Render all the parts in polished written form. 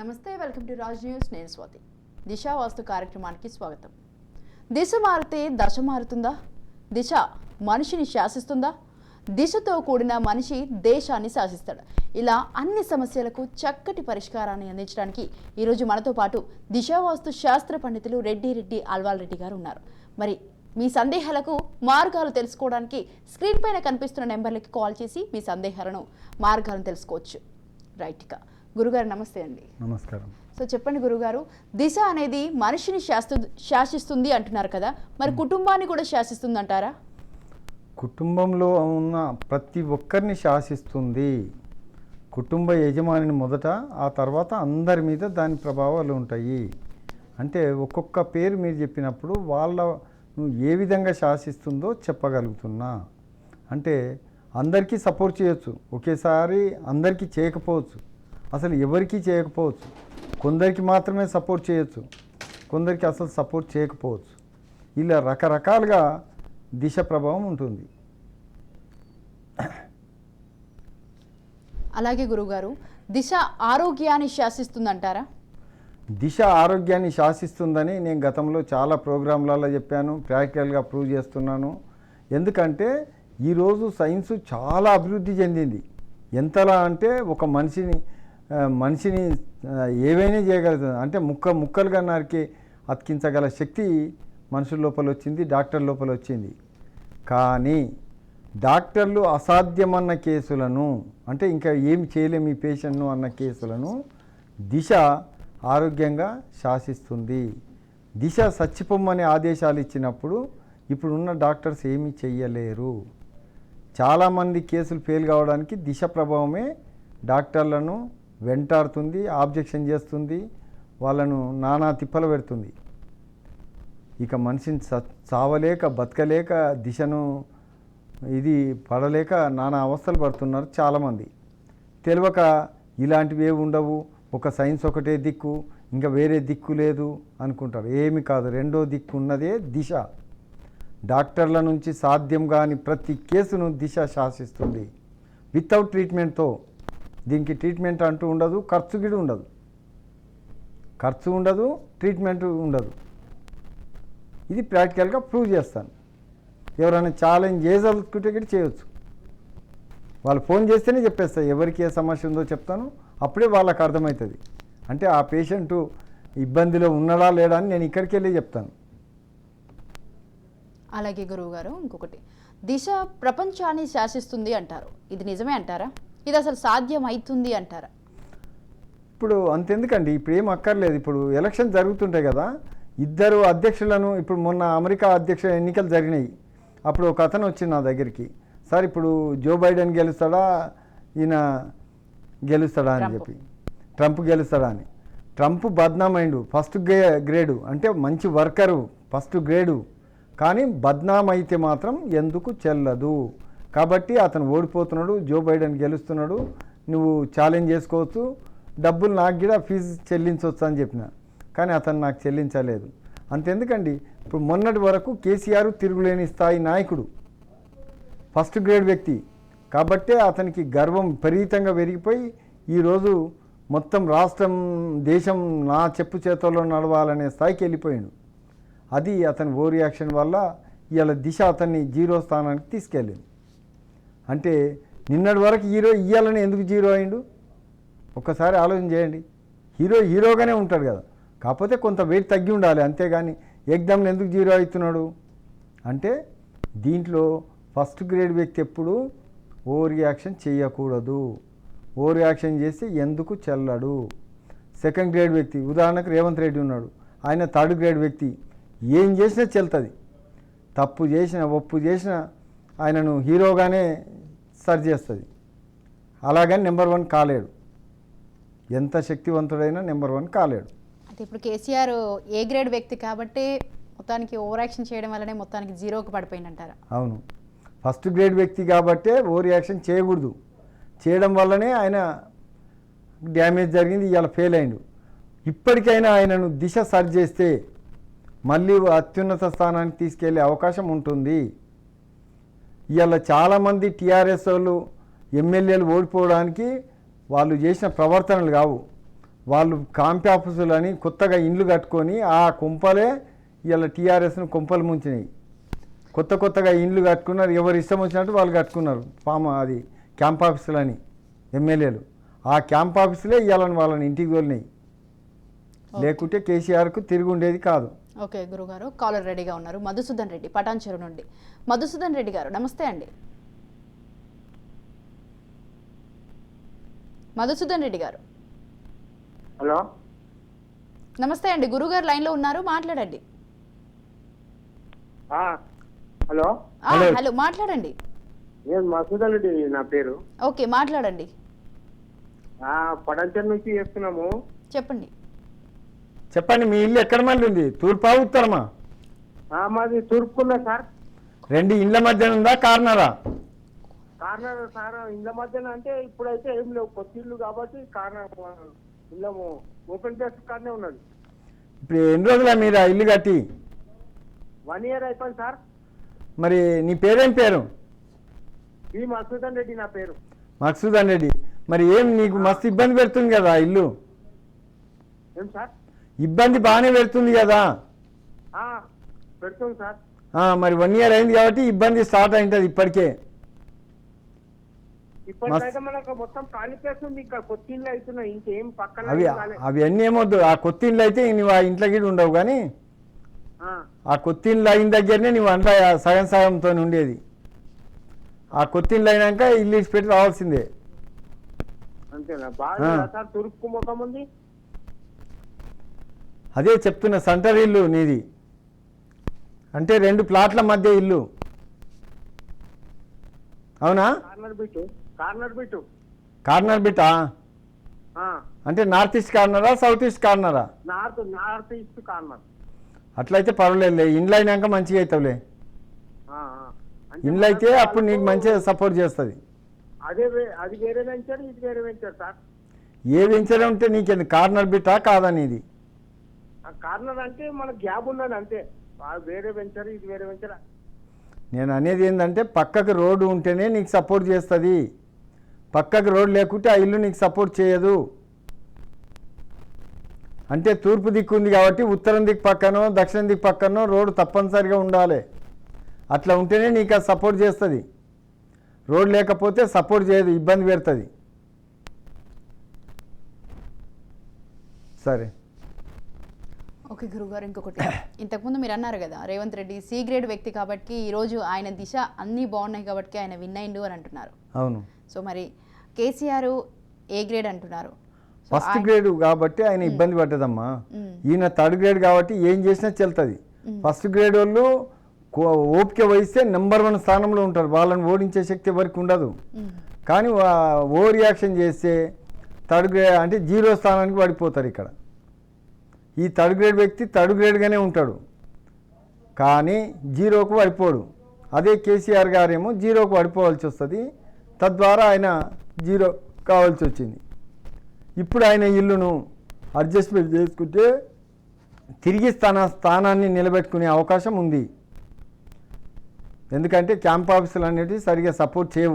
నమస్తే, welcome to Raj news. నేను స్వాతి. దిశ వాస్తు కార్యక్రమానికి స్వాగతం. దిశ మారితే దశ మారుతుందా? దిశ మనిషిని శాసిస్తుందా? దిశతో కూడిన మనిషి దేశాన్ని శాసిస్తాడు. ఇలా అన్ని సమస్యలకు చక్కటి పరిష్కారాన్ని అందించడానికి ఈరోజు మనతో పాటు దిశ వాస్తు శాస్త్ర పండితులు రెడ్డి అల్వాల్ రెడ్డి గారు ఉన్నారు. మరి మీ సందేహాలకు మార్గాలు తెలుసుకోవడానికి స్క్రీన్ పైన కనిపిస్తున్న నెంబర్లకి కాల్ చేసి మీ సందేహాలను మార్గాలను తెలుసుకోవచ్చు. రైట్గా గురుగారు నమస్తే అండి. నమస్కారం. సో చెప్పండి గురుగారు, దిశ అనేది మనిషిని శాసిస్తుంది అంటున్నారు కదా, మరి కుటుంబాన్ని కూడా శాసిస్తుంది అంటారా? కుటుంబంలో ఉన్న ప్రతి ఒక్కరిని శాసిస్తుంది. కుటుంబ యజమానిని మొదట, ఆ తర్వాత అందరి మీద దాని ప్రభావాలు ఉంటాయి. అంటే ఒక్కొక్క పేరు మీరు చెప్పినప్పుడు నువ్వు ఏ విధంగా శాసిస్తుందో చెప్పగలుగుతున్నా. అంటే అందరికీ సపోర్ట్ చేయొచ్చు, ఒకేసారి అందరికీ చేయకపోవచ్చు, అసలు ఎవరికీ చేయకపోవచ్చు. కొందరికి మాత్రమే సపోర్ట్ చేయొచ్చు, కొందరికి అసలు సపోర్ట్ చేయకపోవచ్చు. ఇలా రకరకాలుగా దిశ ప్రభావం ఉంటుంది. అలాగే గురుగారు, దిశ ఆరోగ్యాన్ని శాసిస్తుందంటారా? దిశ ఆరోగ్యాన్ని శాసిస్తుందని నేను గతంలో చాలా ప్రోగ్రాంలలో చెప్పాను, ప్రాక్టికల్గా ప్రూవ్ చేస్తున్నాను. ఎందుకంటే ఈరోజు సైన్స్ చాలా అభివృద్ధి చెందింది. ఎంతలా అంటే ఒక మనిషిని ఏవైనా చేయగలుగుతుంది. అంటే ముక్కలుగా నరికి అతికించగల శక్తి మనుషుల లోపల వచ్చింది, డాక్టర్ లోపల వచ్చింది. కానీ డాక్టర్లు అసాధ్యమన్న కేసులను, అంటే ఇంకా ఏమి చేయలేము ఈ పేషెంట్ను అన్న కేసులను దిశ ఆరోగ్యంగా శాసిస్తుంది. దిశ చచ్చిపోమ్మనే ఆదేశాలు ఇచ్చినప్పుడు ఇప్పుడున్న డాక్టర్స్ ఏమీ చెయ్యలేరు. చాలామంది కేసులు ఫెయిల్ కావడానికి దిశ ప్రభావమే డాక్టర్లను వెంటాడుతుంది, ఆబ్జెక్షన్ చేస్తుంది, వాళ్ళను నానా తిప్పలు పెడుతుంది. ఇక మనిషిని చావలేక బతకలేక దిశను ఇది పడలేక నానా అవస్థలు పడుతున్నారు చాలామంది. తెలియక ఇలాంటివి ఏవి ఉండవు, ఒక సైన్స్ ఒకటే దిక్కు, ఇంకా వేరే దిక్కు లేదు అనుకుంటారు. ఏమి కాదు, రెండో దిక్కు ఉన్నదే దిశ. డాక్టర్ల నుంచి సాధ్యం కాని ప్రతి కేసును దిశ శాసిస్తుంది. వితౌట్ ట్రీట్మెంట్తో, దీనికి ట్రీట్మెంట్ అంటూ ఉండదు, ఖర్చు గిడి ఉండదు, ట్రీట్మెంట్ ఉండదు. ఇది ప్రాక్టికల్గా ప్రూవ్ చేస్తాను. ఎవరైనా ఛాలెంజ్ చేయదలుచుకుంటే గిడి చేయవచ్చు. వాళ్ళు ఫోన్ చేస్తేనే చెప్పేస్తారు, ఎవరికి ఏ సమస్య ఉందో చెప్తాను, అప్పుడే వాళ్ళకి అర్థమవుతుంది. అంటే ఆ పేషెంటు ఇబ్బందిలో ఉన్నాడా లేడా అని నేను ఇక్కడికి వెళ్ళి చెప్తాను. అలాగే గురువుగారు, ఇంకొకటి, దిశ ప్రపంచాన్ని శాసిస్తుంది అంటారు. ఇది నిజమే అంటారా? ఇది అసలు సాధ్యం అవుతుంది అంటారా? ఇప్పుడు అంతెందుకండి, ఇప్పుడు ఏం అక్కర్లేదు. ఇప్పుడు ఎలక్షన్ జరుగుతుంటాయి కదా, ఇద్దరు అధ్యక్షులను, ఇప్పుడు మొన్న అమెరికా అధ్యక్ష ఎన్నికలు జరిగినాయి. అప్పుడు ఒక అతను వచ్చింది నా దగ్గరికి, సార్ ఇప్పుడు జో బైడెన్ గెలుస్తాడా ఈయన గెలుస్తాడా అని చెప్పి, ట్రంప్ గెలుస్తాడా అని. ట్రంప్ బద్నామైండు, ఫస్ట్ గ్రేడు, అంటే మంచి వర్కరు, ఫస్ట్ గ్రేడు. కానీ బద్నాం అయితే మాత్రం ఎందుకు చెల్లదు. కాబట్టి అతను ఓడిపోతున్నాడు, జో బైడెన్ గెలుస్తున్నాడు, నువ్వు ఛాలెంజ్ చేసుకోవచ్చు, డబ్బులు నాకు కూడా ఫీజు చెల్లించవచ్చు అని చెప్పిన. కానీ అతను నాకు చెల్లించలేదు. అంతెందుకండి, ఇప్పుడు మొన్నటి వరకు కేసీఆర్ తిరుగులేని స్థాయి నాయకుడు, ఫస్ట్ గ్రేడ్ వ్యక్తి. కాబట్టే అతనికి గర్వం విపరీతంగా పెరిగిపోయి ఈరోజు మొత్తం రాష్ట్రం, దేశం నా చెప్పు చేతుల్లో నడవాలనే స్థాయికి వెళ్ళిపోయాడు. అది అతని ఓ రియాక్షన్ వల్ల ఇవాళ దిశ అతన్ని జీరో స్థానానికి తీసుకెళ్ళింది. అంటే నిన్నటి వరకు ఇయ్యాలని ఎందుకు జీరో అయిండు ఒక్కసారి ఆలోచన చేయండి. హీరోగానే ఉంటాడు కదా, కాకపోతే కొంత వెయిట్ తగ్గి ఉండాలి, అంతేగాని ఎగ్జామ్లో ఎందుకు జీరో అవుతున్నాడు అంటే దీంట్లో ఫస్ట్ గ్రేడ్ వ్యక్తి ఎప్పుడు ఓ రియాక్షన్ చేయకూడదు. ఓ రియాక్షన్ చేస్తే ఎందుకు చెల్లడు. సెకండ్ గ్రేడ్ వ్యక్తి, ఉదాహరణకు రేవంత్ రెడ్డి ఉన్నాడు, ఆయన థర్డ్ గ్రేడ్ వ్యక్తి, ఏం చేసినా చెల్తుంది. తప్పు చేసిన ఒప్పు చేసిన ఆయనను హీరోగానే సరి చేస్తుంది. అలాగని నెంబర్ 1 కాలేడు. ఎంత శక్తివంతుడైనా నెంబర్ 1 కాలేడు. అయితే ఇప్పుడు కేసీఆర్ ఏ గ్రేడ్ వ్యక్తి కాబట్టి మొత్తానికి ఓవర్ యాక్షన్ చేయడం వల్లనే మొత్తానికి జీరోకి పడిపోయిందంటారా? అవును, ఫస్ట్ గ్రేడ్ వ్యక్తి కాబట్టే ఓవర్ యాక్షన్ చేయకూడదు. చేయడం వల్లనే ఆయన డ్యామేజ్ జరిగింది, ఇవాళ ఫెయిల్ అయిండు. ఇప్పటికైనా ఆయనను దిశ సరి చేస్తే మళ్ళీ అత్యున్నత స్థానానికి తీసుకెళ్లే అవకాశం ఉంటుంది. ఇవాళ చాలామంది టీఆర్ఎస్ వాళ్ళు ఎమ్మెల్యేలు ఓడిపోవడానికి వాళ్ళు చేసిన ప్రవర్తనలు కావు, వాళ్ళు కాంపి ఆఫీసులని కొత్తగా ఇండ్లు కట్టుకొని ఆ కుంపలే ఇలా టీఆర్ఎస్ను కుంపలు ముంచినాయి. కొత్తగా ఇండ్లు కట్టుకున్నారు, ఎవరు ఇష్టం వచ్చినట్టు వాళ్ళు కట్టుకున్నారు అది క్యాంప్ ఆఫీసులని ఎమ్మెల్యేలు. ఆ క్యాంప్ ఆఫీసులే ఇవ్వాలని వాళ్ళని ఇంటికి తోలినాయి. లేకుంటే కేసీఆర్కు తిరిగి ఉండేది కాదు. ఓకే గురుగారు, కాలర్ రెడీగా ఉన్నారు. మధుసూదన్ రెడ్డి పటాన్చెరు నుండి. మధుసూదన్ రెడ్డి గారు నమస్తే అండి. మధుసూదన్ రెడ్డి గారు హలో, నమస్తే అండి. గురుగారు లైన్లో ఉన్నారు, మాట్లాడండి. హలో హలో మాట్లాడండి. నేను మసూదన్ రెడ్డి నా పేరు. ఓకే మాట్లాడండి. పడంచర్ నుంచి చేస్తున్నాము. చెప్పండి. చెప్పండి, మీ ఇల్లు ఎక్కడ మళ్ళీ ఉంది? తూర్పా ఉత్తరమా? మాది తూర్పుకున్నా సార్. రెండు ఇండ్ల మధ్యన ఉందా కార్నరా? Corner sir. ఇళ్ళ మధ్యన అంటే ఇప్పుడైతే ఏం లేవు, కొత్త ఇల్లు కాబట్టి కార్నర్ ఇళ్ళము ఓపెన్ ప్లేస్ కార్నే ఉన్నది. ఇప్పుడు ఎన్ని రోజులా మీరు ఆ ఇల్లు కట్టి? 1 year అయిపోయింది సార్. మరి నీ పేరేం పేరు? ఈ మసూదన్ రెడ్డి నా పేరు. మక్సూదన్ రెడ్డి. మరి ఏం నీకు మస్తు ఇబ్బంది పెడుతుంది కదా ఆ ఇల్లు? ఏం సార్? ఇబ్బంది బాగానే పెడుతుంది కదా? పెడుతుంది సార్. మరి 1 year అయింది కాబట్టి ఇబ్బంది స్టార్ట్ అయింటుంది ఇప్పటికే. ఇప్పటికైతే మనకు మొత్తం ఖాళీ ప్లేస్ ఉంది, ఇంకా కొత్త ఇల్లు అవుతున్నాయి, ఇంకేం పక్కన అవి అన్నీ ఏమొద్దు. ఆ కొత్త ఇల్లు అయితే నువ్వు ఆ ఇంట్లో గిడి ఉండవు, కానీ ఆ కొత్త ఇల్లు అయిన దగ్గరనే నువ్వు అంతా సగంతో ఉండేది. ఆ కొత్త ఇల్లు అయినాక ఇల్లు ఇచ్చి పెట్టి రావాల్సిందే. అంతేనా? బాగా సార్ తూర్పు ముఖం ఉంది. అదే చెప్తున్న సెంటర్ ఇల్లు నీది అంటే 2 ప్లాట్ల మధ్య ఇల్లు, అవునా? కార్నర్ బిట్టా అంటే నార్త్ ఈస్ట్ కార్నరా సౌత్ ఈస్ట్ కార్నరా? North east corner. అట్లయితే పర్వాలేదులే, ఇండ్లు అయినాక మంచిగా అవుతావులే. ఇండ్లు అయితే అప్పుడు నీకు మంచిగా సపోర్ట్ చేస్తుంది. అది వేరే వెంచర్, ఇది వేరే వెంచర్ సార్. ఏ వెంచర్ ఉంటే నీకు కార్నర్ బిట్టా కాదని? ఇది కార్నర్ అంటే మన గ్యాప్ ఉన్నది అంతే. వేరే వెంచర్, ఇది వేరే వెంచర్. నేను అనేది ఏంటంటే పక్కకు రోడ్డు ఉంటేనే నీకు సపోర్ట్ చేస్తుంది. పక్కకు రోడ్డు లేకుంటే ఆ ఇల్లు నీకు సపోర్ట్ చేయదు. అంటే తూర్పు దిక్కు ఉంది కాబట్టి ఉత్తరం దిక్కు పక్కనో దక్షిణ దిక్కు పక్కనో రోడ్డు తప్పనిసరిగా ఉండాలి. అట్లా ఉంటేనే నీకు అది సపోర్ట్ చేస్తుంది. రోడ్ లేకపోతే సపోర్ట్ చేయదు, ఇబ్బంది పెడుతుంది. సరే ఓకే గురుగారు, ఇంకొకటి ఇంతకుముందు మీరు అన్నారు కదా రేవంత్ రెడ్డి సి గ్రేడ్ వ్యక్తి కాబట్టి ఈరోజు ఆయన దిశ అన్నీ బాగున్నాయి కాబట్టి ఆయన విన్ అయిండు అని అంటున్నారు. అవును. సో మరి కేసీఆర్ ఏ గ్రేడ్ అంటున్నారు. ఫస్ట్ గ్రేడ్ కాబట్టి ఆయన ఇబ్బంది పడ్డదమ్మా. ఈయన థర్డ్ గ్రేడ్ కాబట్టి ఏం చేసినా చెల్తుంది. ఫస్ట్ గ్రేడ్ వాళ్ళు ఓపిక వహిస్తే నెంబర్ 1 స్థానంలో ఉంటారు. వాళ్ళని ఓడించే శక్తి ఎవరికి ఉండదు. కానీ ఓవర్ రియాక్షన్ చేస్తే థర్డ్ గ్రేడ్ అంటే 0 స్థానానికి పడిపోతారు. ఇక్కడ ఈ థర్డ్ గ్రేడ్ వ్యక్తి థర్డ్ గ్రేడ్గానే ఉంటాడు, కానీ 0కు పడిపోడు. అదే కేసీఆర్ గారేమో 0కు పడిపోవాల్సి వస్తుంది. తద్వారా ఆయన 0 కావాల్సి వచ్చింది. ఇప్పుడు ఆయన ఇల్లును అడ్జస్ట్మెంట్ చేసుకుంటే తిరిగి స్థానాన్ని నిలబెట్టుకునే అవకాశం ఉంది. ఎందుకంటే క్యాంప్ ఆఫీసులు అనేవి సరిగా సపోర్ట్ చేయవు.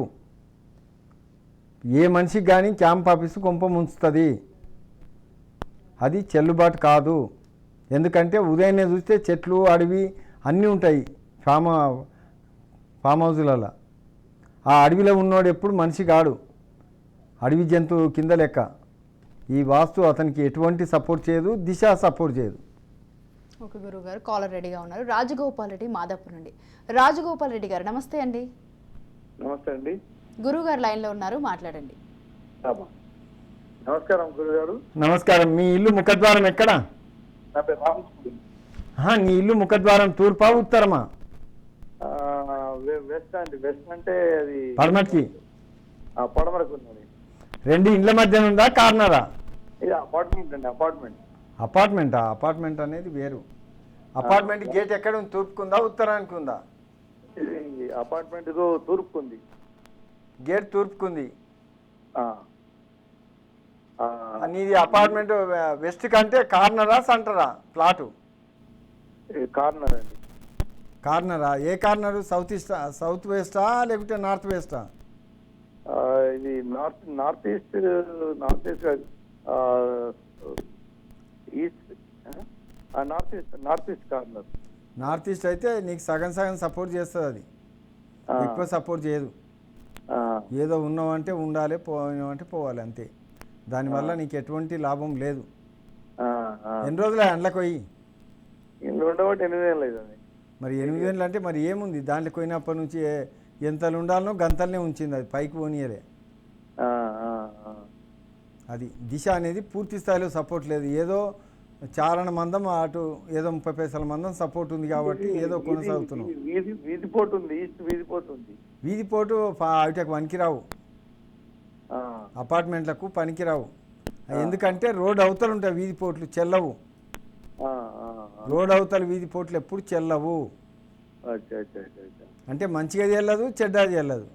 ఏ మనిషికి కానీ క్యాంప్ ఆఫీసు కొంప ముంచుతుంది. అది చెల్లుబాటు కాదు. ఎందుకంటే ఉదయాన్నే చూస్తే చెట్లు అడవి అన్నీ ఉంటాయి ఫామ్ హౌజులలో. ఆ అడవిలో ఉన్నోడు ఎప్పుడు మనిషి కాడు, అడవి జంతువు కింద లెక్క. ఈ వాస్తు అతనికి ఎటువంటి సపోర్ట్ చేయదు, దిశ సపోర్ట్ చేయదు. ఓకే గురుగారు, కాలర్ రెడీగా ఉన్నారు. రాజగోపాల్ రెడ్డి మాదాపూర్ నుండి. రాజగోపాల్ రెడ్డి గారు నమస్తే అండి. నమస్తే అండి. గురుగారు లైన్లో ఉన్నారు, మాట్లాడండి. నమస్కారం గురుగారు. నమస్కారం. మీ ఇల్లు ముఖద్వారం ఎక్కడ? నీ ఇల్లు ముఖద్వారం తూర్పా ఉత్తరమా? వెస్ట్ అండి. వెస్ట్ అంటే అది పడమటికి. పడమరకు ఉన్నది. 2 ఇండ్ల మధ్యన ఉందా కార్నరా? ఇది అపార్ట్మెంట్ అండి. అపార్ట్మెంటా? అపార్ట్మెంట్ అనేది వేరు. అపార్ట్మెంట్ గేట్ ఎక్కడ ఉంది? తూర్పుకుందా ఉత్తరానికి ఉందా? ఇది అపార్ట్మెంట్ తూర్పు ఉంది. గేట్ తూర్పుకుంది. నీది అపార్ట్మెంట్ వెస్ట్ కంటే కార్నరా సెంటరా ప్లాటు? కార్నర్ అండి. కార్నరా? ఏ కార్నరు? సౌత్ వెస్టా లేకుంటే నార్త్ వెస్టా? ఇది north east north east corner. North east అయితే నీకు సగం సగం సపోర్ట్ చేస్తుంది, అది ఎక్కువ సపోర్ట్ చేయదు. ఏదో ఉన్నావంటే ఉండాలి, పోయినావంటే పోవాలి, అంతే. దానివల్ల నీకు ఎటువంటి లాభం లేదు. ఎన్ని రోజులు అండ్లకు పోయి? ఉండబట్టి 8 ఏళ్ళు అవుతుంది. మరి 8 ఏళ్ళు అంటే మరి ఏముంది దాంట్లో పోయినప్పటి నుంచి ఎంతలు ఉండాలనో గంతలనే ఉంచింది, అది పైకి పోనీయలే. అది దిశ అనేది పూర్తి స్థాయిలో సపోర్ట్ లేదు. ఏదో చారణ మందం అటు ఏదో 30 పైసల మందం సపోర్ట్ ఉంది కాబట్టి ఏదో కొనసాగుతున్నాం. వీధి పోటు ఉంది, ఈస్ట్ వీధి పోటు ఉంది. వీధి పోటు అవిటకు పనికిరావు, అపార్ట్మెంట్లకు పనికిరావు. ఎందుకంటే రోడ్ అవతలు ఉంటాయి వీధి పోట్లు, చెల్లవు. రోడ్ అవతల వీధి పోట్లు ఎప్పుడు చెల్లవు. అంటే మంచిగా చెల్లదు, చెడ్డది చెల్లదు.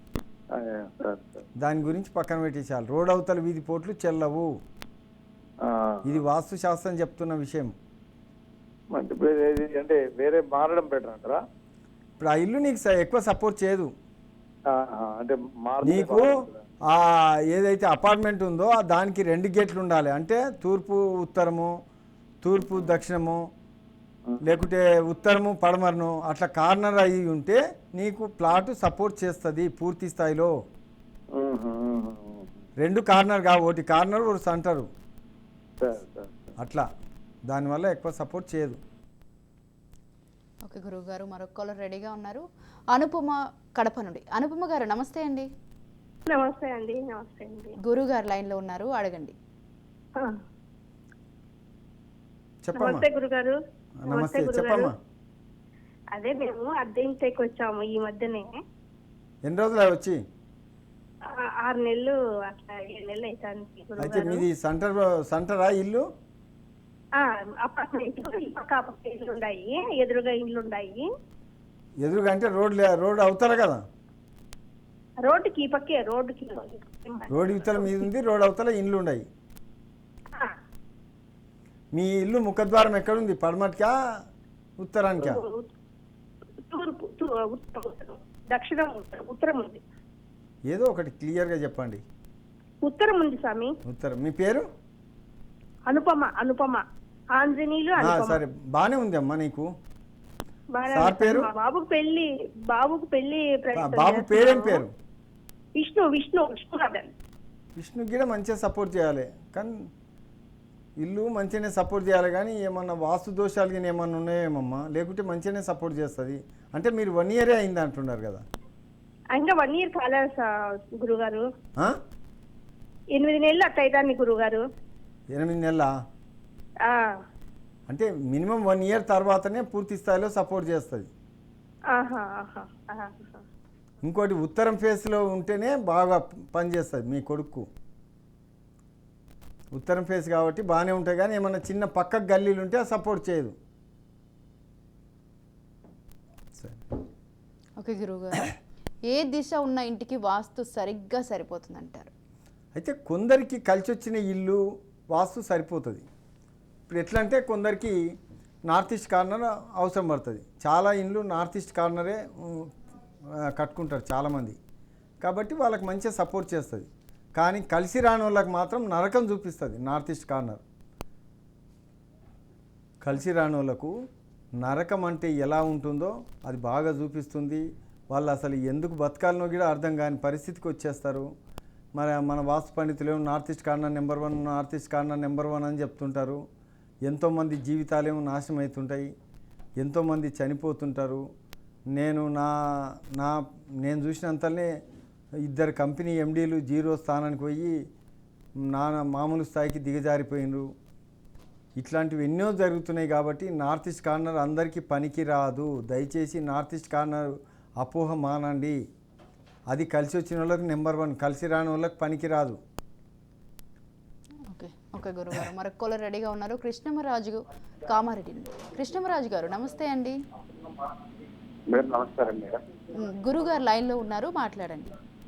దాని గురించి పక్కన పెట్టేసాలి. రోడ్ అవతల వీధి పోట్లు చెల్లవు. ఇది వాస్తు శాస్త్రం చెప్తున్న విషయం. అంటే వేరే మారడం బెటర్ అంటారా? ఇప్పుడు ఆ ఇల్లు నీకు ఎక్కువ సపోర్ట్ చేయదు. అంటే నీకు ఆ ఏదైతే అపార్ట్మెంట్ ఉందో దానికి 2 గేట్లు ఉండాలి. అంటే తూర్పు ఉత్తరము, తూర్పు దక్షిణము, లేకుంటే ఉత్తరము పడమరను, అట్లా కార్నర్ అయ్యి ఉంటే నీకు ప్లాట్ సపోర్ట్ చేస్తుంది పూర్తి స్థాయిలో. 2 కార్నర్ కావు, ఒకటి కార్నర్ ఒకటి సెంటరు, అట్లా. దానివల్ల ఎక్కువ సపోర్ట్ చేయదు. ఓకే గురువు గారు, మరొక కాలర్ రెడీగా ఉన్నారు. అనుపమ కడప నుండి. అనుపమ గారు నమస్తే అండి. నమస్తే అండి. నమస్తే అండి. గురువు గారు లైన్లో ఉన్నారు, అడగండి. చెప్పమ్మా. నమస్తే గురుగారు. నమస్తే, చెప్పమ్మా. అదే మేము అద్దె ఇంటికి వచ్చాము ఈ మధ్యనే. ఎన్ని రోజులు వచ్చి? 6 నెలలు అట్లా 7 నెలలు అవుతాను. అయితే మీది సెంటరా ఇల్లు? అపార్ట్మెంట్ పక్క ఇల్లు ఉన్నాయి, ఎదురుగా ఇల్లు ఉన్నాయి. ఎదురుగా అంటే రోడ్ అవుతారా కదా? రోడ్డుకి ఈ పక్కే, రోడ్డుకి రోడ్ ఇవతల మీద ఉంది, రోడ్ అవతల ఇండ్లు ఉన్నాయి. మీ ఇల్లు ముఖద్వారం ఎక్కడుంది? పడమటికా ఉత్తరానికా? తూర్పు, దక్షిణం, ఉత్తరం ఉంది. ఏదో ఒకటి క్లియర్గా చెప్పండి. ఉత్తరం ఉంది స్వామి. ఉత్తరం. మీ పేరు? అనుపమ. అనుపమ ఆంజనేయులు. సరే, బాగానే ఉంది అమ్మా. నీకు సార్ పేరు? బాబుకు పెళ్లి. బాబు పేరేం పేరు? విష్ణువర్ధన్. విష్ణుకి కూడా మంచిగా సపోర్ట్ చేయాలి, కానీ ఇల్లు మంచిగానే సపోర్ట్ చేయాలి. కానీ ఏమన్నా వాస్తు దోషాలు కానీ ఏమన్నా ఉన్నాయేమమ్మా? లేకుంటే మంచిగానే సపోర్ట్ చేస్తుంది. అంటే మీరు 1 ఇయరే అయింది అంటున్నారు కదా? ఇంకా 1 ఇయర్ కాలేదు గురుగారు. 8 నెలలు అట్లా అవుతాను గురుగారు. 8 నెలలా? అంటే మినిమం 1 ఇయర్ తర్వాతనే పూర్తి స్థాయిలో సపోర్ట్ చేస్తుంది. ఇంకోటి ఉత్తరం ఫేస్లో ఉంటేనే బాగా పనిచేస్తుంది మీ కొడుకు. ఉత్తరం ఫేస్ కాబట్టి బాగానే ఉంటాయి, కానీ ఏమన్నా చిన్న పక్క గల్లీలు ఉంటే సపోర్ట్ చేయదు. సరే, ఓకే గురువు గారు, ఏ దిశ ఉన్న ఇంటికి వాస్తు సరిగ్గా సరిపోతుంది అంటారు? అయితే కొందరికి కలిసి వచ్చిన ఇల్లు వాస్తు సరిపోతుంది. ఇప్పుడు ఎట్లా అంటే కొందరికి నార్త్ ఈస్ట్ కార్నర్ అవసరం పడుతుంది. చాలా ఇండ్లు నార్త్ ఈస్ట్ కార్నరే కట్టుకుంటారు చాలామంది, కాబట్టి వాళ్ళకి మంచిగా సపోర్ట్ చేస్తుంది. కానీ కలిసి రాని వాళ్ళకి మాత్రం నరకం చూపిస్తుంది నార్త్ ఈస్ట్ కార్నర్. కలిసి రాని వాళ్ళకు నరకం అంటే ఎలా ఉంటుందో అది బాగా చూపిస్తుంది. వాళ్ళు అసలు ఎందుకు బతకాలనో కూడా అర్థం కాని పరిస్థితికి వచ్చేస్తారు. మరి మన వాస్తు పండితులు ఏమో north east corner number 1, north east corner number 1 అని చెప్తుంటారు. ఎంతోమంది జీవితాలేమో నాశనం అవుతుంటాయి, ఎంతోమంది చనిపోతుంటారు. నేను చూసినంతనే 2 కంపెనీ ఎండీలు 0 స్థానానికి పోయి మామూలు స్థాయికి దిగజారిపోయినరు. ఇట్లాంటివి ఎన్నో జరుగుతున్నాయి. కాబట్టి నార్త్ ఈస్ట్ కార్నర్ అందరికీ పనికి రాదు. దయచేసి నార్త్ ఈస్ట్ కార్నర్ అపోహ మానండి. అది కలిసి వచ్చిన వాళ్ళకి నెంబర్ 1, కలిసి రాని వాళ్ళకి పనికి రాదు. ఓకే గురువు గారు, మరొక కాలర్ రెడీగా ఉన్నారు. కృష్ణమరాజు కామారెడ్డి నుండి. కృష్ణమరాజు గారు నమస్తే అండి. మేడం నమస్కారం మేడం. గురువు గారు లైన్లో ఉన్నారు, మాట్లాడండి.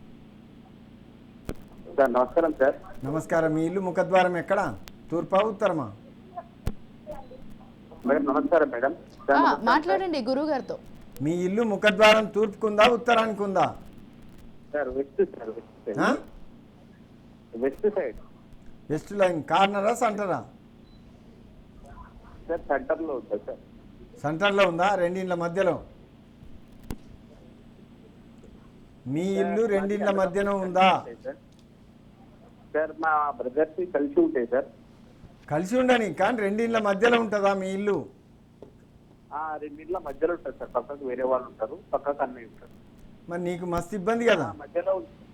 సార్ నమస్కారం సార్. నమస్కారం. మీ ఇల్లు ముఖద్వారం ఎక్కడ? తూర్పా ఉత్తరమా? మేడం నమస్కారం మేడం. మాట్లాడండి గురువు గారితో. మీ ఇల్లు ముఖద్వారం తూర్పుకుందా ఉత్తరానికి ఉందా? Sir west sir. West side. West line కార్నరా సెంటరా? సార్ సెంటర్లో ఉంటుంది సార్. సెంటర్లో ఉందా? రెండిండ్ల మధ్యలో? మీ ఇల్లు రెండిండ్ల మధ్యలో ఉందా? సార్ మా బ్రదర్స్ కలిసి ఉంటాయి సార్. కలిసి ఉండని, కానీ రెండిండ్ల మధ్యలో ఉంటుందా మీ ఇల్లు? రెండింటిలో మధ్యలో ఉంటుంది సార్. పక్కకు వేరే వాళ్ళు ఉంటారు, పక్కకు అన్నయ్య ఉంటారు. మరి నీకు మస్తు ఇబ్బంది కదా, మధ్యలో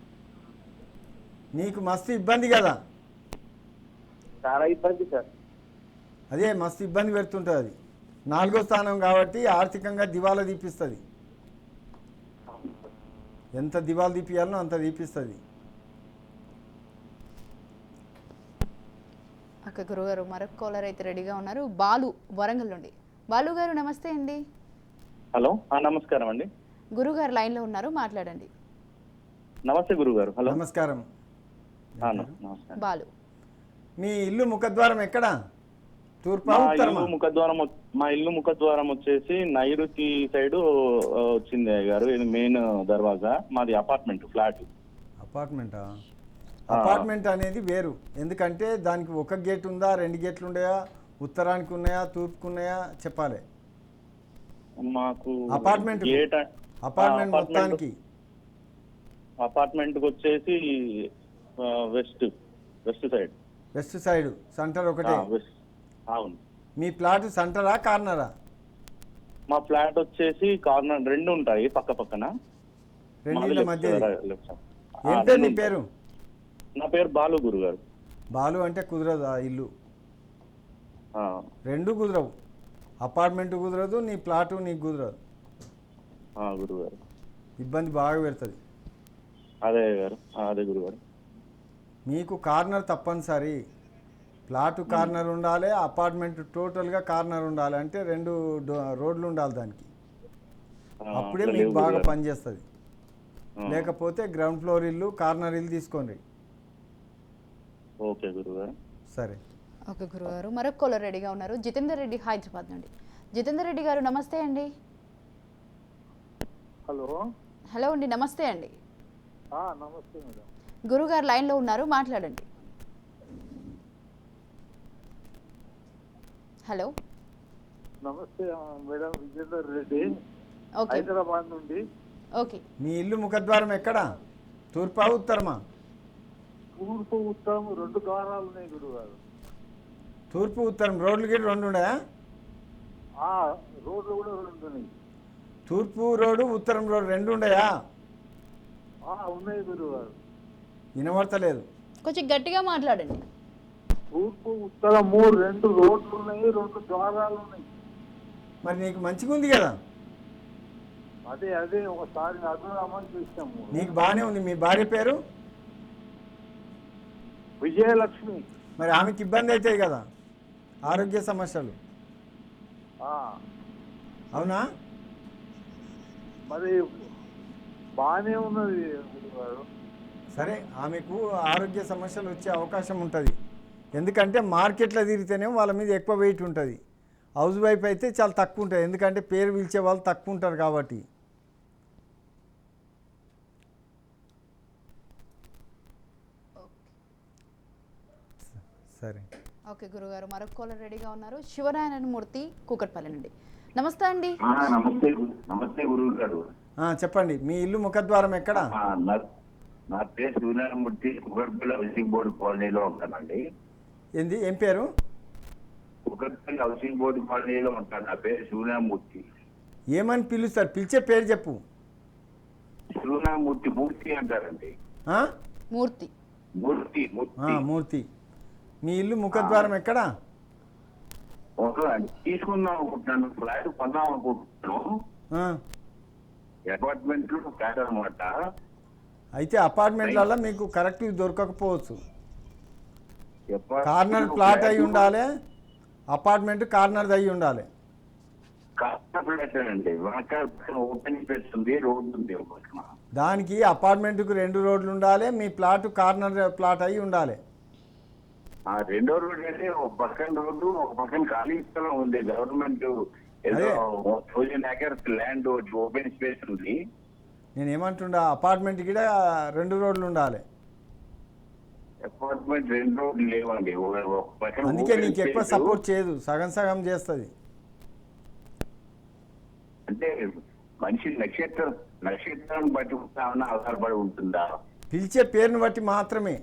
నీకు మస్తు ఇబ్బంది కదా. చాలా ఇబ్బంది సార్. అదే మస్తు ఇబ్బంది పెడుతుంటుంది అది. 4వ స్థానం కాబట్టి ఆర్థికంగా దివాలా తీపిస్తుంది. ఎంత దివాలా తీపియాలనో అంత తీపిస్తుంది. అక్క గురుగారు మరొక కాలర్ అయితే రెడీగా ఉన్నారు. బాలు వరంగల్ నుండి. బాలు గారు నమస్తే అండి. హలో, నమస్కారం అండి. గురుగారు లైన్లో ఉన్నారు, మాట్లాడండి. నమస్తే గురుగారు. హలో, నమస్కారం. నమస్కారం. బాలు, మీ ఇల్లు ముఖద్వారం ఎక్కడ? తూర్పా మా ఉత్తరమా? ఇల్లు ముఖద్వారం వచ్చేసి నైరుతి సైడ్ వచ్చింది అయ్య గారు. ఇది మెయిన్ దర్వాజా. మాది అపార్ట్మెంట్ ఫ్లాట్. అపార్ట్మెంటా? అపార్ట్మెంట్ అనేది వేరు. ఎందుకంటే దానికి ఒక గేట్ ఉందా, 2 గేట్లు ఉన్నాయా, ఉత్తరానికి ఉన్నాయా, తూర్పుకు ఉన్నాయా చెప్పాలి. మాకు అపార్ట్మెంట్ గేట్ మొత్తానికి అపార్ట్మెంట్ వచ్చేసి west side. West side center ఒకటే. అవును. మీ ప్లాట్ సెంటరా కార్నరా? మా ఫ్లాట్ వచ్చేసి కార్నర్ 2 ఉంటాయి పక్క పక్కన. రెండింటి మధ్య. ఏం పేరు నీ పేరు? నా పేరు బాలు గురుగారు. బాలు అంటే కుదరదు ఆ ఇల్లు. 2 కుదరవు. అపార్ట్మెంట్ కుదరదు, నీ ప్లాటు నీకు కుదరదు. గురుగారు ఇబ్బంది బాగా పెడుతుంది. అదే గారు, అదే గురుగారు. మీకు కార్నర్ తప్పనిసరి. ప్లాటు కార్నర్ ఉండాలి, అపార్ట్మెంట్ టోటల్గా కార్నర్ ఉండాలి. అంటే 2 రోడ్లు ఉండాలి దానికి. అప్పుడే మీకు బాగా పనిచేస్తుంది. లేకపోతే గ్రౌండ్ ఫ్లోర్ ఇల్లు, కార్నర్ ఇల్లు తీసుకోండి. ఓకే గురుగారు. సరే. ఓకే గురుగారు. మరొక కాలర్ రెడీగా ఉన్నారు. జితేందర్ రెడ్డి హైదరాబాద్ నుండి. జితేందర్ రెడ్డి గారు నమస్తే అండి. హలో. హలో అండి, నమస్తే అండి. నమస్తే మేడం. గురుగారు లైన్లో ఉన్నారు, మాట్లాడండి. హలో. నమస్తే మేడం, విజేందర్ రెడ్డి, ఓకే హైదరాబాద్ నుండి. ఓకే. మీ ఇల్లు ముఖద్వారం ఎక్కడ? తూర్పా ఉత్తరమా? తూర్పు ఉత్తరం 2 ద్వారాలు ఉన్నాయి గురుగారు. తూర్పు ఉత్తరం రోడ్లు గిట్ల 2 ఉన్నాయా? రోడ్లు కూడా 2 ఉన్నాయి. తూర్పు రోడ్డు, ఉత్తరం రోడ్డు 2 ఉన్నాయా? ఉన్నాయి గురుగారు. వినబడతలేదు. కొంచెం గట్టిగా మాట్లాడండి. తూర్పు ఉత్తరం 2 రోడ్లు ఉన్నాయి, 2 ద్వారాలు ఉన్నాయి. మరి నీకు మంచిగా ఉంది కదా. అదే ఒకసారి అడుగుదామని చూసాము. నీకు బాగానే ఉంది. మీ భార్య పేరు? విజయలక్ష్మి. మరి ఆమెకి ఇబ్బంది అవుతాయి కదా, ఆరోగ్య సమస్యలు. అవునా? మరి బాగానే ఉన్నది గురుగారు. సరే, ఆమెకు ఆరోగ్య సమస్యలు వచ్చే అవకాశం ఉంటుంది. ఎందుకంటే మార్కెట్లో తిరిగితేనే వాళ్ళ మీద ఎక్కువ వెయిట్ ఉంటుంది. హౌస్ వైఫ్ అయితే చాలా తక్కువ ఉంటుంది. ఎందుకంటే పేరు పిలిచే వాళ్ళు తక్కువ ఉంటారు కాబట్టి. సరే. ఓకే గురుగారు. మరొక కాలర్ రెడీగా ఉన్నారు. శివనారాయణ మూర్తి కూకట్పల్లి నుండి. నమస్తే అండి. నమస్తే గురువు గారు. చెప్పండి, మీ ఇల్లు ముఖద్వారం ఎక్కడ? నా పేరు సూర్యనారాయణమూర్తి, కుకట్పల్లి హౌసింగ్ బోర్డు కాలనీలో ఉంటానండి. ఏంది, ఏం పేరు? కుకట్పల్లి హౌసింగ్ బోర్డు కాలనీలో ఉంటాను. నా పేరు సూర్యనారాయణమూర్తి. ఏమని పిలుస్తారు? పిలిచే పేరు చెప్పు. సూర్యనారాయణమూర్తి. మూర్తి అంటారండి. మూర్తి. మూర్తి. మూర్తి. మీ ఇల్లు ముఖద్వారం ఎక్కడ? తీసుకుందాం అనుకుంటున్నాను, ఫ్లాట్ కొందాం అనుకుంటున్నాను. అపార్ట్మెంట్ ఫ్లాట్ అనమాట. అయితే అపార్ట్మెంట్లలో మీకు కరెక్ట్ దొరకకపోవచ్చు. కార్నర్ ప్లాట్ అయి ఉండాలి, అపార్ట్మెంట్ కార్నర్ అయి ఉండాలి. ఓపెన్ స్పేస్ ఉంది, రోడ్డు ఉంది. దానికి అపార్ట్మెంట్కు 2 రోడ్లు ఉండాలి, మీ ప్లాట్ కార్నర్ ప్లాట్ అయి ఉండాలి. 2వ రోడ్డు అయితే ఒక పక్కన రోడ్డు, ఒక పక్కన ఖాళీ స్థలం ఉంది. గవర్నమెంట్ ఏదో 1000 acres ల్యాండ్ ఓపెన్ స్పేస్ ఉంది. నేను ఏమంటుండా, అపార్ట్మెంట్ కూడా 2 రోడ్లు ఉండాలి. అపార్ట్మెంట్ 2 రోడ్లు లేవండి. ఒక పక్కన అందుకే open నీకు ఎక్కువ space. సపోర్ట్ చేయదు, సగం సగం చేస్తుంది. అంటే మనిషి నక్షత్రం బట్టి ఏమన్నా ఆధారపడి ఉంటుందా? పిలిచే పేరుని బట్టి మాత్రమే.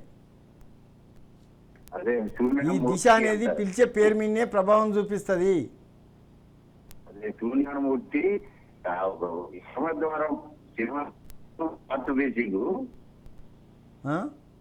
అదే ఈ దిశ అనేది పిలిచే పేరు మీదనే ప్రభావం చూపిస్తుంది. అదే సూర్యనారాయణమూర్తి సింహద్వారం నార్త్ ఫేసింగ్. ఆ?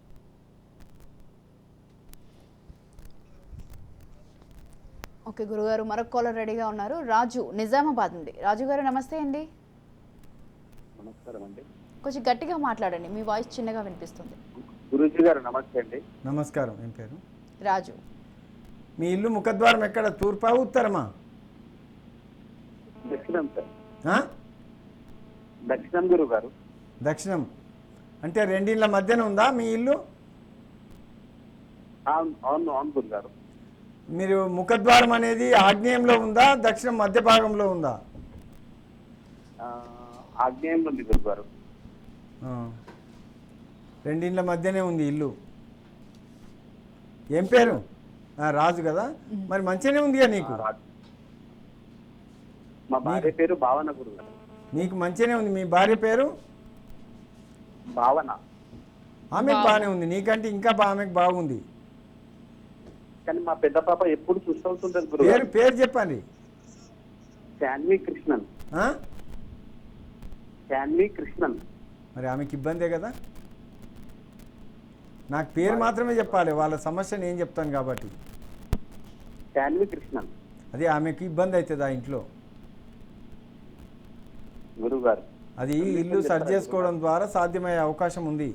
ఓకే గురుగారు, మరొక కాలర్ రెడీగా ఉన్నారు. రాజు నిజామాబాద్ నుండి. రాజు గారు నమస్తే అండి. నమస్కారం అండి. కొంచెం గట్టిగా మాట్లాడండి, మీ వాయిస్ చిన్నగా వినిపిస్తుంది. గురూజీ గారు నమస్తే అండి. నమస్కారం. ఏం పేరు? రాజు. మీ ఇల్లు ముఖద్వారం ఎక్కడ, తూర్పా ఉత్తరమా? దక్షిణం సార్. ఆ? దక్షిణం గురువు గారు. దక్షిణం అంటే రెండిళ్ళ మధ్యన ఉందా మీ ఇల్లు? అవును అవును గురువు గారు. మీరు ముఖద్వారం అనేది ఆగ్నేయంలో ఉందా, దక్షిణం మధ్య భాగంలో ఉందా? ఆగ్నేయంలో ఉంది గురువు గారు. ఆ. రెండిళ్ళ మధ్యనే ఉంది ఇల్లు. ఏం పేరు? రాజు కదా, మరి మంచిగానే ఉందిగా నీకు. మా భార్య పేరు భావన గురువు గారు. నీకు మంచిగానే ఉంది. మీ భార్య పేరు? భావన. ఆమెకు బాగానే ఉంది, నీకంటే ఇంకా ఆమెకు బాగుంది. కానీ మా పెద్ద పాప ఎప్పుడు చూస్తుంటుంది గురువు పేరు గారు. పేరు చెప్పండి. శాన్వి కృష్ణన్. ఆ? శాన్వి కృష్ణన్. మరి ఆమెకి ఇబ్బందే కదా. నాకు పేరు మాత్రమే చెప్పాలి, వాళ్ళ సమస్య నేను చెప్తాను కాబట్టి. శాన్వి కృష్ణన్. అది ఆమెకి ఇబ్బంది అవుతుంది ఆ ఇంట్లో. గురువు గారు. అది ఇల్లు సరి చేసుకోవడం ద్వారా సాధ్యమయ్యే అవకాశం ఉంది.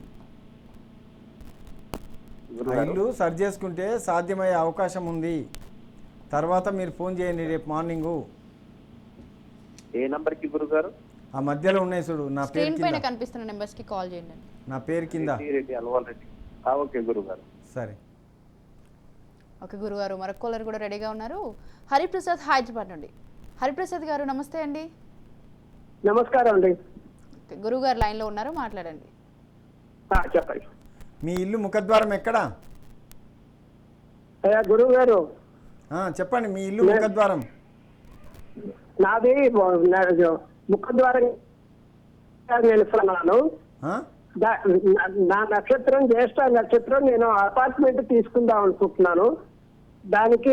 ఆ ఇల్లు సరి చేసుకుంటే సాధ్యమయ్యే అవకాశం ఉంది. తర్వాత మీరు ఫోన్ చేయండి రేపు మార్నింగు. ఏ నంబర్ కి గురువు గారు? ఆ మధ్యలో ఉన్నాయి చూడు, నా పేరు స్క్రీన్ పైన కింద, కనిపిస్తున్న నెంబర్స్ కి కాల్ చేయండి. నా పేరు కింద. రెడ్డి అల్వాల్ రెడ్డి. ఓకే గురువు గారు. సరే. ఓకే గురుగారు, మరొక కాలర్ కూడా రెడీగా ఉన్నారు. హరిప్రసాద్ హైదరాబాద్ నుండి. హరిప్రసాద్ గారు నమస్తే అండి. నమస్కారం అండి. ఓకే, గురుగారు లైన్లో ఉన్నారు, మాట్లాడండి. చెప్పండి. మీ ఇల్లు ముఖద్వారం ఎక్కడా? అయ్యా గురువు గారు, చెప్పండి. మీ ఇల్లు ముఖద్వారం? నాది ముఖద్వారం నిలుస్తున్నాను. ఆ? నా నక్షత్రం జ్యేష్ఠ నక్షత్రం. నేను అపార్ట్మెంట్ తీసుకుందాం అనుకుంటున్నాను. దానికి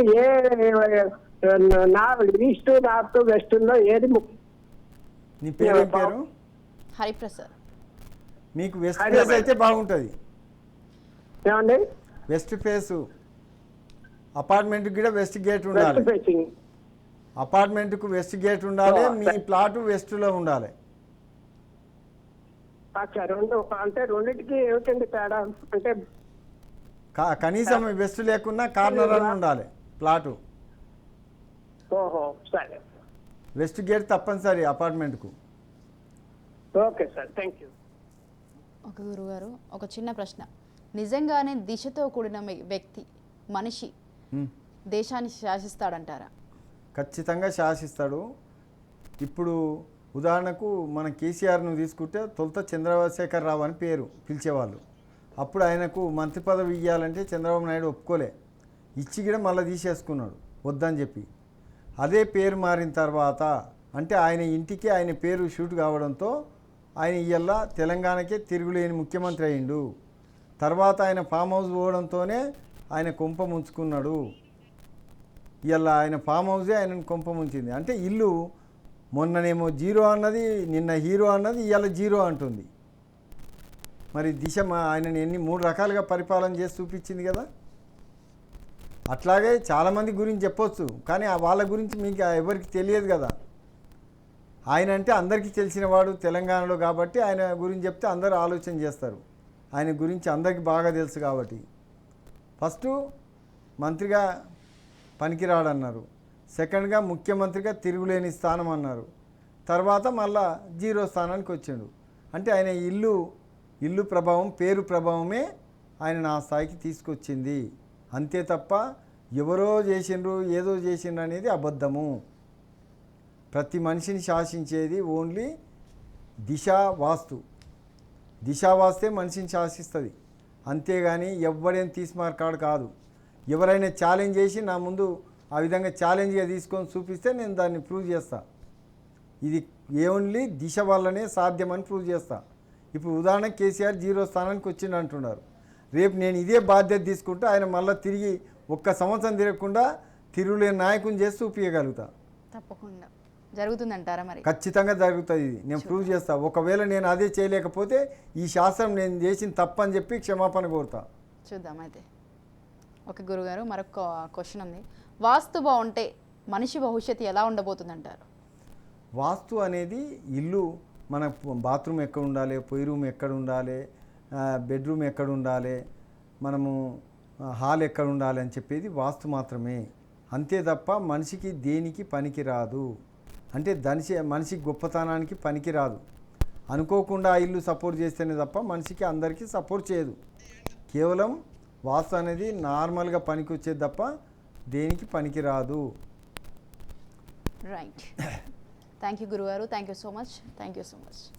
ఈస్ట్ నార్త్ వెస్ట్ లో ఏది నీ పేరు ఏం పేరు? హరిప్రసాద్. మీకు వెస్ట్ ఫేస్ అయితే బాగుంటుంది. ఏమండి? వెస్ట్ ఫేసు అపార్ట్మెంట్కి కూడా వెస్ట్ గేట్ ఉండాలి. West facing. అపార్ట్మెంట్కు వెస్ట్ గేట్ ఉండాలి. మీ ప్లాట్ వెస్ట్లో ఉండాలి. రెండు అంటే రెండింటికి ఏమిటండి తేడా? అంటే కనీసం వెస్ట్ లేకున్నా కార్నర్ అని ఉండాలి ప్లాటు. ఓహో సరే. వెస్ట్ గేట్ తప్పనిసరి అపార్ట్మెంట్కు. Okay sir, thank you. ఒక గురుగారు, ఒక చిన్న ప్రశ్న. నిజంగానే దిశతో కూడిన వ్యక్తి, మనిషి దేశాన్ని శాసిస్తాడంటారా? ఖచ్చితంగా శాసిస్తాడు. ఇప్పుడు ఉదాహరణకు మన కేసీఆర్ను తీసుకుంటే తొలుత చంద్రశేఖర్ రావు అని పేరు పిలిచేవాళ్ళు. అప్పుడు ఆయనకు మంత్రి పదవి ఇవ్వాలంటే చంద్రబాబు నాయుడు ఒప్పుకోలే, ఇచ్చి కూడా మళ్ళీ తీసేసుకున్నాడు వద్దని చెప్పి. అదే పేరు మారిన తర్వాత అంటే ఆయన ఇంటికి ఆయన పేరు షూట్ కావడంతో ఆయన ఇవాళ తెలంగాణకే తిరుగులేని ముఖ్యమంత్రి అయిండు. తర్వాత ఆయన ఫామ్ హౌస్ పోవడంతోనే ఆయన కొంప ముంచుకున్నాడు. ఇవాళ ఆయన ఫామ్ హౌసే ఆయనను కొంప ముంచింది. అంటే ఇల్లు మొన్ననేమో జీరో అన్నది, నిన్న హీరో అన్నది, ఇవాళ జీరో అంటుంది. మరి దిశ ఆయనని 3 రకాలుగా పరిపాలన చేసి చూపించింది కదా. అట్లాగే చాలామంది గురించి చెప్పొచ్చు, కానీ వాళ్ళ గురించి మీకు ఎవరికి తెలియదు కదా. ఆయన అంటే అందరికీ తెలిసినవాడు తెలంగాణలో కాబట్టి ఆయన గురించి చెప్తే అందరూ ఆలోచన చేస్తారు. ఆయన గురించి అందరికీ బాగా తెలుసు కాబట్టి. ఫస్ట్ మంత్రిగా పనికిరాడన్నారు, సెకండ్గా ముఖ్యమంత్రిగా తిరుగులేని స్థానం అన్నారు, తర్వాత మళ్ళా జీరో స్థానానికి వచ్చాడు. అంటే ఆయన ఇల్లు ప్రభావం, పేరు ప్రభావమే ఆయన ఆ స్థాయికి తీసుకొచ్చింది. అంతే తప్ప ఎవరో చేసిండ్రు ఏదో చేసిండ్రు అనేది అబద్ధము. ప్రతి మనిషిని శాసించేది ఓన్లీ దిశా వాస్తే మనిషిని శాసిస్తుంది. అంతేగాని ఎవడేం తీసుమార్కాడు కాదు. ఎవరైనా ఛాలెంజ్ చేసి నా ముందు ఆ విధంగా ఛాలెంజ్గా తీసుకొని చూపిస్తే నేను దాన్ని ప్రూవ్ చేస్తా. ఇది ఓన్లీ దిశ వల్లనే సాధ్యమని ప్రూవ్ చేస్తా. ఇప్పుడు ఉదాహరణ కేసీఆర్ 0 స్థానానికి వచ్చిండు అంటున్నారు. రేపు నేను ఇదే బాధ్యత తీసుకుంటే ఆయన మళ్ళీ తిరిగి 1 సంవత్సరం తిరగకుండా తిరుగులేని నాయకుని చేసి చూపించగలుగుతా. తప్పకుండా జరుగుతుందంటారా మరి? ఖచ్చితంగా జరుగుతుంది. ఇది నేను ప్రూవ్ చేస్తా. ఒకవేళ నేను అదే చేయలేకపోతే ఈ శాస్త్రం నేను చేసిన తప్పని చెప్పి క్షమాపణ కోరుతా. చూద్దాం అయితే. ఓకే గురుగారు, మరొక క్వశ్చన్ ఉంది. వాస్తు బాగుంటే మనిషి భవిష్యత్తు ఎలా ఉండబోతుందంటారు? వాస్తు అనేది ఇల్లు మన బాత్రూమ్ ఎక్కడ ఉండాలి, పొయ్యి రూమ్ ఎక్కడ ఉండాలి, బెడ్రూమ్ ఎక్కడ ఉండాలి, మనము హాల్ ఎక్కడ ఉండాలి అని చెప్పేది వాస్తు మాత్రమే. అంతే తప్ప మనిషికి దేనికి పనికి రాదు. అంటే మనిషి గొప్పతనానికి పనికి రాదు. అనుకోకుండా ఆ ఇల్లు సపోర్ట్ చేస్తేనే తప్ప మనిషికి అందరికీ సపోర్ట్ చేయదు. కేవలం వాస్తు అనేది నార్మల్గా పనికి వచ్చేది తప్ప దేనికి పనికి రాదు. రైట్. థ్యాంక్ యూ గురుగారు. Thank you so much.